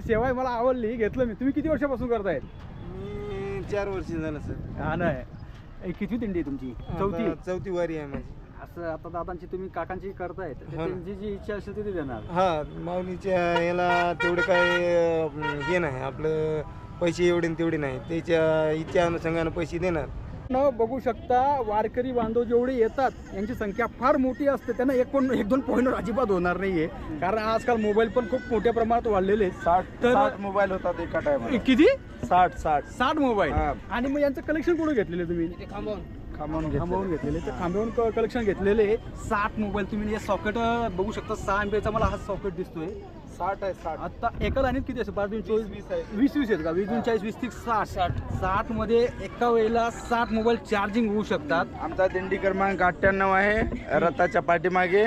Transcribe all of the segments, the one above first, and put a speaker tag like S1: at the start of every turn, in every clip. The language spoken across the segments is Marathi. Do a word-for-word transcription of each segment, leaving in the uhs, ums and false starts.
S1: सेवा आहे, मला आवडली, घेतलं मी. तुम्ही किती वर्षापासून करतायत?
S2: मी चार वर्ष झालं सर.
S1: हा नाही, किती दिंडी आहे तुमची? चौथी.
S2: चौथी वारी आहे माझी.
S1: असं आता दादांची तुम्ही काकांची करतायत, तर त्यांची जी इच्छा असेल ती देणार.
S2: हा, माऊलीच्या याला तेवढे काय अं, हे नाही आपलं, पैसे एवढे न तेवढे नाही, त्याच्या इच्छा अनुषंगाने पैसे देणार.
S1: न बघू शकता वारकरी बांधव जेवढे येतात यांची संख्या फार मोठी असते. त्यांना एक पण एक दोन पॉईंटवर अजिबात होणार नाहीये, कारण आजकाल मोबाईल पण खूप मोठ्या प्रमाणात वाढलेले आहेत.
S2: साठ
S1: तर-
S2: साठ मोबाईल होतात एका टायमाला.
S1: किती?
S2: साठ साठ
S1: साठ मोबाईल.
S2: हा.
S1: आणि मग यांचं कलेक्शन कुठे घेतलेले तुम्ही?
S2: खांबवून
S1: थांबवून घेतलेले. तर थांबवून कलेक्शन घेतलेले साठ मोबाईल. तुम्ही हे सॉकेट बघू शकता, सहा एमपीचा मला हा सॉकेट दिसतोय.
S2: साठ आहे साठ.
S1: आता एका लाईनीत किती असं बारा चोवीस
S2: वीस आहे.
S1: वीस वीस आहेत का? वीस दोन चाळीस, वीस तीस साठ. साठ साठ मध्ये एका वेळेला साठ मोबाईल चार्जिंग होऊ शकतात.
S2: आमचा दिंडी क्रमांक अठ्ठ्याण्णव आहे, रथाच्या पाठीमागे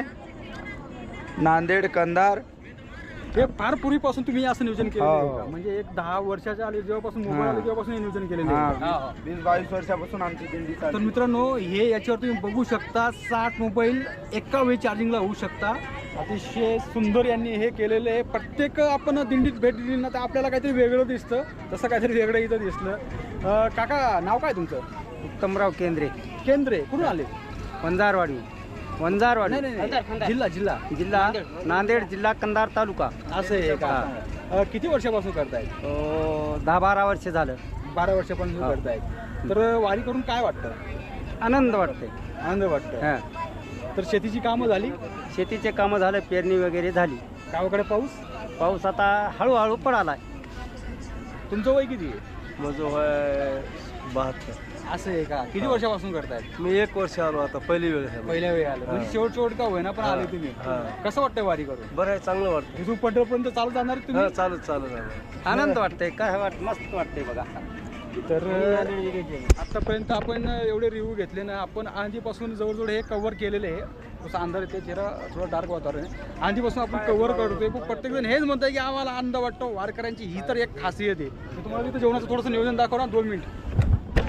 S2: नांदेड कंधार.
S1: हे फार पूर्वीपासून तुम्ही असं नियोजन केलं
S2: हो.
S1: आहे का? म्हणजे एक दहा वर्षाच्या आले जेव्हापासून मोबाईल आले तेव्हापासून हे नियोजन केलेलं आहे.
S2: हा, वीस बावीस वर्षापासून आमची दिंडी
S1: तर
S2: चालते.
S1: मित्रांनो, हे याच्यावर तुम्ही बघू शकता, साठ मोबाईल एका वेळी चार्जिंगला होऊ शकता. अतिशय सुंदर यांनी हे केलेलं आहे. प्रत्येक आपण दिंडीत भेट दिली ना तर आपल्याला काहीतरी वेगळं दिसतं, तसं काहीतरी वेगळं इथं दिसलं. अं, काका, नाव काय तुमचं?
S3: उत्तमराव केंद्रे,
S1: केंद्रे. कुठून आले?
S3: वंजारवाडी. वंजारवाडी
S1: नाही नाही नाही. जिल्हा जिल्हा
S3: जिल्हा नांदेड, जिल्हा कंधार तालुका.
S1: असं आहे का? अं, किती वर्षापासून करतायत?
S3: अं, दहा बारा वर्ष झालं.
S1: बारा वर्षापासून
S3: हा.
S1: करतायत. तर वारी करून काय वाटतं?
S3: आनंद वाटते.
S1: आनंद वाटतं.
S3: हा.
S1: तर शेतीची कामं झाली?
S3: शेतीचे कामं झालं, पेरणी वगैरे झाली.
S1: गावाकडे पाऊस?
S3: पाऊस आता हळूहळू पडालाय.
S1: तुमचं वय किती आहे?
S2: माझं वय बहात्तर.
S1: असं आहे का? किती वर्षापासून करतायत?
S2: मी एक वर्ष आलो आता, पहिली वेळ आहे.
S1: पहिल्या वेळी आलं म्हणजे शेवट शेवट का होईना पण आले तुम्ही.
S2: हा.
S1: कसं वाटतंय वारी करून?
S2: बरं आहे, चांगलं वाटतं.
S1: इथून पंढरपर्यंत चालू जाणार तुम्ही?
S2: हा, चालत चालत आलो.
S3: आनंद वाटते. काय वाट मस्त वाटते बघा.
S1: तर आतापर्यंत आपण एवढे रिव्ह्यू घेतले ना, आपण आधीपासून जवळजवळ हे कव्हर केलेले आहे. जसं अंधार येते, जरा थोडं डार्क वातावरण आहे. आधीपासून आपण कव्हर करतोय. पण प्रत्येक जण हेच म्हणतंय की आम्हाला आनंद वाटतो. वारकऱ्यांची ही तर एक खासियत आहे. मी तुम्हाला इथं जेवणाचं थोडंसं नियोजन दाखव ना. दोन मिनिट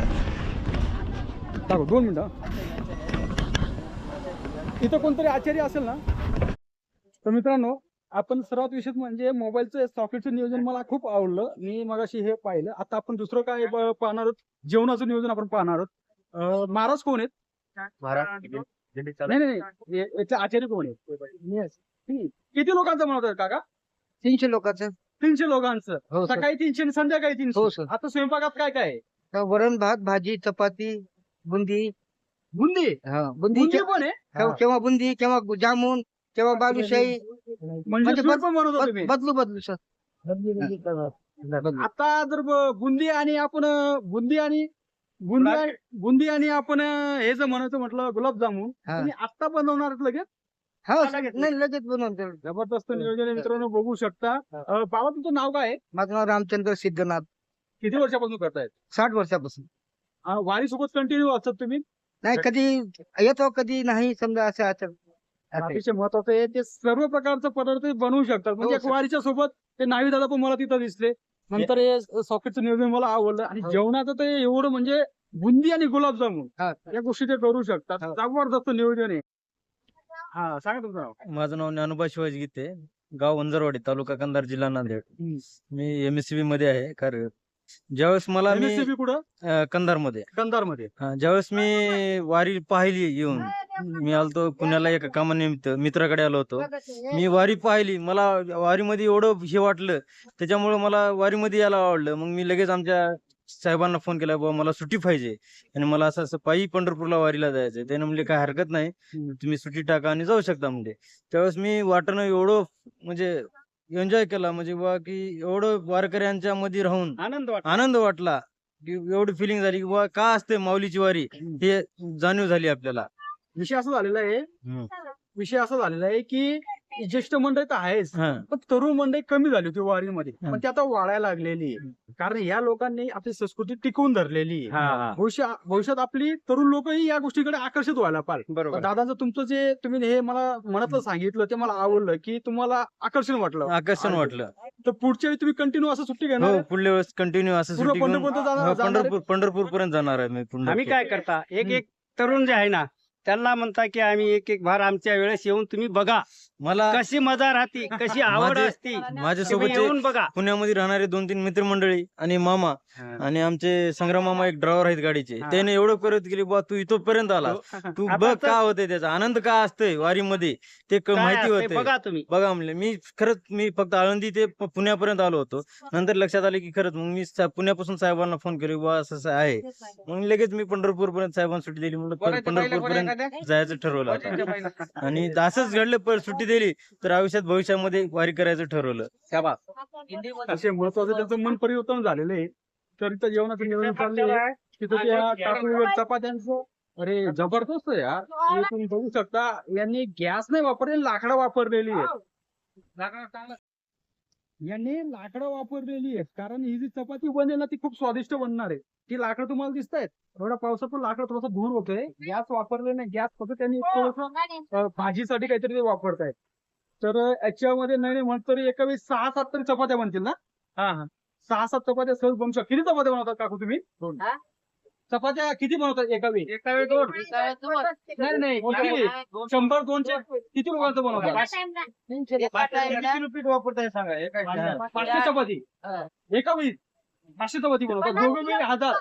S1: दाखव, दोन मिनिटं. इथं कोणतरी आचार्य असेल ना? तर मित्रांनो, आपण सर्वात विशेष म्हणजे मोबाईलचं सॉकेटचं नियोजन मला खूप आवडलं. मी मगाशी हे पाहिलं. आता आपण दुसरं काय ब- पाहणार आहोत? जेवणाचं नियोजन आपण पाहणार आहोत. अं, महाराज कोण आहेत? नाही नाही नाही. या- याचे आचार्य कोण आहेत? किती लोकांचं म्हणत आहे काका?
S3: तीनशे लोकांचं.
S1: तीनशे लोकांचं.
S3: हो सर.
S1: सकाळी तीनशे आणि संध्याकाळी
S3: हो
S1: तीनशे.
S3: सर.
S1: आता स्वयंपाकात काय काय आहे?
S3: वरण भात, भाजी, चपाती, बुंदी.
S1: बुंदी.
S3: हा, बुंदी.
S1: बुंदी पण आहे
S3: केव्हा केव्हा बुंदी, केव्हा जामून, केव्हा बालुशाही.
S1: म्हणजे
S3: म्हणजे
S1: स्वीट
S3: बद-
S1: पण बनवतो तुम्ही?
S3: बदलू बदलू सर.
S1: आता जर ब- बुंदी आणि आपण अं, बुंदी आणि बुंदी आणि- बुंदी आणि आपण अं, हे जर म्हणायचं म्हटलं गुलाबजामुन,
S3: हा.
S1: तुम्ही आत्ता बनवणार आहेत लगेच?
S3: हो सर. नाही, लगेच बनवतो.
S1: जबरदस्त नियोजन आहे मित्रांनो, बघू शकता. अं, बाबा, तुमचं नाव काय आहे?
S3: माझं नाव रामचंद्र सिद्धनाथ.
S1: किती वर्षापासून करतायत?
S3: साठ वर्षापासून.
S1: अं, वारी सोबत कंटिन्यू असतात तुम्ही?
S3: नाही, कधी येतो कधी नाही, समजा असं असं. असं.
S1: अतिशय महत्वाचं आहे, ते सर्व प्रकारचे पदार्थ बनवू शकतात. म्हणजे
S3: हो,
S1: एक
S3: सर.
S1: वारीच्या सोबत ते नावी दादा पण मला तिथं दिसले. नंतर हे सॉकेटचं नियोजन मला आवडलं. आणि
S3: हो.
S1: जेवणाचं ते एवढं म्हणजे बुंदी आणि गुलाबजामुन
S3: हा.
S1: या गोष्टी ते करू शकतात.
S3: हो.
S1: जबरदस्त नियोजन आहे. हा, सांगा तुमचं नाव.
S4: माझं नाव ज्ञानोबा शिवाजी गीते, गाव वंजारवाडी, तालुका कंधार, जिल्हा नांदेड. मी एमएससीबी मध्ये आहे कार्यरत. ज्यावेळेस मला मी
S1: एमएससीबी कुठं?
S4: कंधार मध्ये
S1: कंधार मध्ये.
S4: ज्यावेळेस मी वारी पाहिली येऊन, मी आलतो पुण्याला एका कामानिमित्त, मित्राकडे आलो होतो. मी वारी पाहिली, मला वारीमध्ये एवढं हे वाटलं, त्याच्यामुळे मला वारीमध्ये यायला आवडलं. मग मी लगेच आमच्या साहेबांना फोन केला, बाबा मला सुट्टी पाहिजे आणि मला असं असं पायी पंढरपूरला वारीला जायचंय. त्याने म्हणले काय हरकत नाही, तुम्ही सुट्टी टाका आणि जाऊ शकता म्हणजे. त्यावेळेस मी वाटणं एवढं म्हणजे एन्जॉय केला, म्हणजे बा की एवढं वारकऱ्यांच्या मध्ये राहून
S1: आनंद वाटतो.
S4: आनंद वाटला, की एवढी फिलिंग झाली की बा का असते माऊलीची वारी, हे जाणीव झाली आपल्याला.
S1: विषय असं झालेला आहे
S4: हम्म.
S1: विषय असा झालेला आहे की ज्येष्ठ मंडळी तर आहेच,
S4: हा.
S1: पण तरुण मंडळी कमी झाली होती वारीमध्ये.
S4: हा.
S1: पण ती आता वाढायला लागलेली आहे. कारण या लोकांनी आपली संस्कृती टिकवून धरलेली आहे.
S4: हा, हा.
S1: भविष्य भविष्यात आपली तरुण लोकही या गोष्टीकडे आकर्षित व्हायला पाहिजे.
S3: बरोबर.
S1: दादाचं तुमचं जे तुम्ही हे मला मनातलं सांगितलं ते मला आवडलं, की तुम्हाला आकर्षण वाटलं.
S4: आकर्षण वाटलं.
S1: तर पुढच्या वेळी तुम्ही कंटिन्यू असं सुट्टी घेणार
S4: हो,
S1: आहे?
S4: पुढल्या वेळेस कंटिन्यू असं
S1: पूर्ण
S4: सुट्टी घेऊन
S1: पंढरपूरपर्यंत जाणार-
S4: हो,
S1: जाणार आहे?
S4: पंढरपूर पंढरपूर पर्यंत जाणार आहे मी.
S3: आम्ही
S4: पंढरपूर.
S3: काय करता, एक एक तरुण जे आहे ना,
S5: त्यांना म्हणता की आम्ही एक एक भार आमच्या वेळेस येऊन तुम्ही बघा
S4: मला
S5: कशी मजा राहते, कशी आवड
S4: माझे-
S5: असते. तुम्ही
S4: माझ्यासोबतचे
S5: येऊन बघा.
S4: पुण्यामध्ये राहणारे दोन तीन मित्रमंडळी आणि मामा आणि आमचे संग्राम मामा एक ड्रायव्हर आहेत गाडीचे,
S5: हा.
S4: त्याने एवढं करत गेली बा तू इथपर्यंत आला, तू
S5: आता
S4: बघ
S5: तर-
S4: का होते त्याचा आनंद का असतोय वारीमध्ये ते क-
S5: काय
S4: माहिती
S5: असते
S4: होते.
S5: बघा तुम्ही.
S4: बघा म्हणले मी खरंच मी फक्त आळंदी ते प- पुण्यापर्यंत आलो होतो. नंतर लक्षात आले की खरंच मग मी सा- पुण्यापासून साहेबांना फोन केले बा असं असं आहे. मग लगेच मी पंढरपूर पर्यंत साहेबांना सुट्टी दिली, म्हणलं पंढरपूर पर्यंत जायचं ठरवलं आता. आणि असंच घडलं, पण सुट्टी दिली तर आयुष्यात भविष्यामध्ये वारी करायचं ठरवलं.
S1: असे महत्वाचं त्यांचं मन परिवर्तन झालेलं आहे. तर इथं जेवणाचं नियोजन चाललेलं आहे. तिथं त्या टाकळीवर चपात्यांचं अरे जबरदस्त आहे यार. हे तुम्ही बघू शकता, यांनी गॅस नाही वापरले, लाकडं वापरलेली आहे. यांनी लाकडं वापरलेली आहेत, कारण ही जी चपाती बनेल ना ती खूप स्वादिष्ट बनणार आहे. ती लाकडं तुम्हाला दिसत आहेत, एवढ्या पावसात पण लाकडं थोडंसं धूर होतोय. गॅस वापरले नाही, गॅस फक्त त्यांनी थोडंसं भाजीसाठी काहीतरी ते वापरतायत. तर याच्यामध्ये नाही नाही म्हणत तरी एका वेळी सहा सात तरी चपात्या बनतील ना? हा हा सहा सात चपात्या सहज बनू शकतात. किती चपात्या बनवतात काकू तुम्ही? चपात्या किती बनवतात एका वेळी? एका वेळी दोन? नाही नाही किती? शंभर दोनशे किती लोकांचं बनवतात? किती पीठ वापरताय सांगा? एका पाचशे चपाती एका वेळी पाचशे चपाती बनवतात, दोघं वेळी हजार.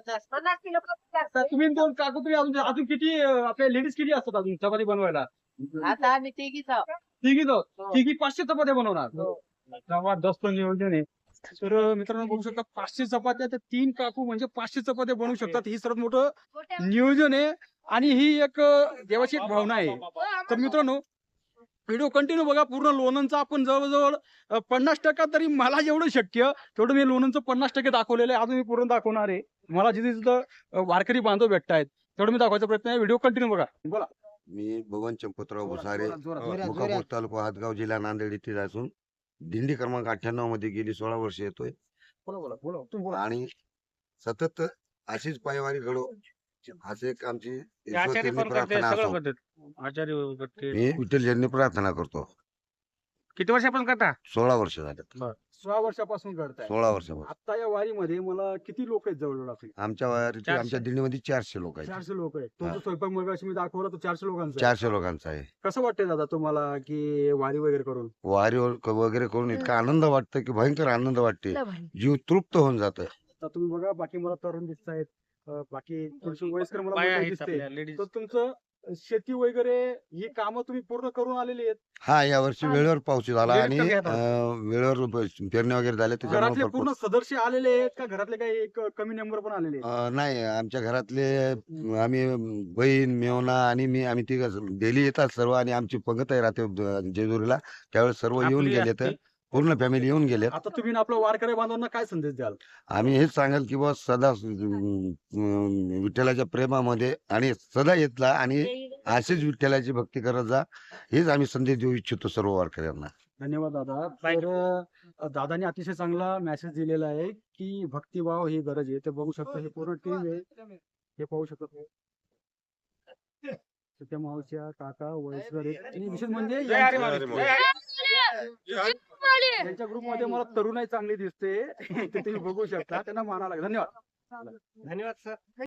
S1: तर तुम्ही दोन काकू तुम्ही अजून अजून किती अं, आपल्या लेडीज किती असतात अजून चपाती बनवायला?
S6: आता आम्ही तिघीच आहोत.
S1: तिघी जाऊ तिघी पाचशे चपात्या बनवणार. जबरदस्त नियोजन आहे. तर मित्रांनो बघू शकता, पाचशे चपात्या तर तीन काकू म्हणजे पाचशे चपात्या बनवू शकतात. ही सर्वात मोठं नियोजन आहे आणि ही एक अं, देवाची एक भावना आहे. तर मित्रांनो व्हिडिओ कंटिन्यू बघा पूर्ण. लोणंदचा आपण जवळजवळ अं, पन्नास टक्का तरी मला जेवढं शक्य तेवढं मी लोणंदचं पन्नास टक्के दाखवलेलं आहे. अजून मी पूर्ण दाखवणार आहे. मला जिथे जिथं अं, वारकरी बांधव भेटतायत तेवढं मी दाखवायचा प्रयत्न आहे. व्हिडिओ कंटिन्यू बघा. बोला.
S7: मी बबन चंपतराव भुसारे,
S3: जोरात, जोरात,
S7: मुकापूर
S3: जोरात.
S7: तालुका हातगाव जिल्हा नांदेड येथे असून दिंडी क्रमांक अठ्ठ्याण्णव मध्ये गेली सोळा वर्ष येतोय
S1: बोला बोला बोला तुम्ही बोला.
S7: आणि सतत अशीच पायवारी घडो असे एक आमची ईश्वरचरणी प्रार्थना असो. मी विठ्ठलचरणी प्रार्थना करतो.
S5: किती वर्षापासून करता?
S7: सोळा वर्ष झाले.
S1: सोळा वर्षापासून करताय.
S7: सोळा वर्षापासून
S1: आता या वारीमध्ये मला किती लोक आहेत जवळजवळ आपले?
S7: आमच्या वारीचे आमच्या दिंडीमध्ये चारशे लोक आहेत.
S1: चारशे लोक आहेत.
S7: हा.
S1: तुमचा स्वयंपाक मग मी दाखवला तो चारशे लोकांचा आहे.
S7: चारशे लोकांचा आहे.
S1: कसं वाटतंय दादा तुम्हाला की वारी वगैरे करून?
S7: वारी वगैरे करून इतका आनंद वाटतं की भयंकर आनंद वाटते, जीव तृप्त होऊन जात.
S1: आता तुम्ही बघा बाकी मला तरुण दिसत आहेत, बाकी थोडीशी वयस्कर मला मंडळी दिसते. तर तुमचं शेती वगैरे ही कामं तुम्ही पूर्ण करून आलेली आहेत.
S7: हा, या वर्षी वेळेवर पाऊस झाला आणि
S1: वेळेवर घेतात.
S7: अं, वेळेवर पेरणी वगैरे झाल्या त्याच्यामुळे
S1: घरातले
S7: भरपूर
S1: पूर्ण सदस्य आलेले आहेत का घरातले काही एक कमी नंबर पण आलेले आहेत?
S7: अं, नाही, आमच्या घरातले अं, आम्ही बहीण मेवना आणि मी आम्ही तिघ डेली येतात सर्व आणि आमची पंगतही राहते द- जेजुरीला. त्यावेळेस सर्व येऊन
S5: आपली
S7: गेले तर पूर्ण फॅमिली येऊन गेलेत.
S1: आता तुम्ही ना आपल्या वारकरी बांधवांना काय संदेश द्याल?
S7: आम्ही हेच सांगाल की बा सदा अं, अं, विठ्ठलाच्या प्रेमामध्ये आणि सदा येतला आणि अशीच विठ्ठलाची भक्ती करत जा, हेच आम्ही संदेश देऊ इच्छितो सर्व वारकऱ्यांना.
S1: धन्यवाद दादा. तर अ, दादाने अतिशय चांगला मेसेज दिलेला आहे की भक्तिभाव ही गरज आहे. ते बघू शकता ही पूर्ण टीम आहे, हे पाहू शकतो. त्या मावश्या काका वयस्कर आहेत आणि विशेष म्हणजे यांच्या ग्रुपमध्ये मला तरुणाई चांगली दिसते. ते तुम्ही बघू शकता. त्यांना मानावं लागेल. धन्यवाद.
S5: धन्यवाद सर.